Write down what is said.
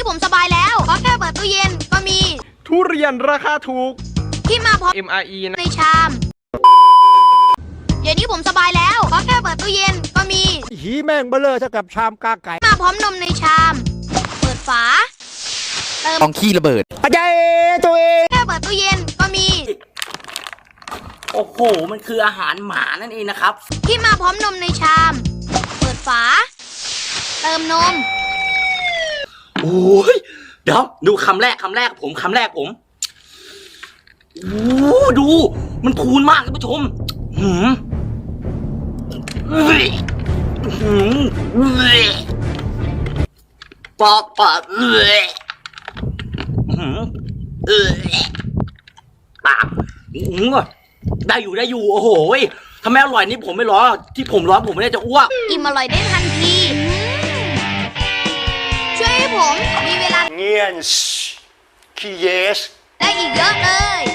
ผมสบายแล้วเพราะแค่เปิดตู้เย็นก็มีทุเรียนราคาถูกที่มาพร้อม MRE ในชามเดี๋ยวนี้ผมสบายแล้วเพราะแค่เปิดตู้เย็นก็มีหีแม่งเบลอเท่ากับชามกาไก่มาพร้อมนมในชามเปิดฝาเติมของขี้ระเบิดอาจารย์ตัวเองแค่เปิดตู้เย็นก็มีโอ้โหมันคืออาหารหมานั่นเองนะครับที่มาพร้อมนมในชามเปิดฝาเติมนมโอ้ยเดี๋ยวดูคำแรกผมโอ้ดูมันพูนมากท่านผู้ชมปอบปากได้อยู่โอ้โหทำไมอร่อยนี่ผมไม่ร้อนที่ผมร้อนผมไม่ได้จะอ้วกอิ่มอร่อยได้ทันทีช่วยให้ผมมีเวลาเงียนขี้เยสได้อีกเยอะเลย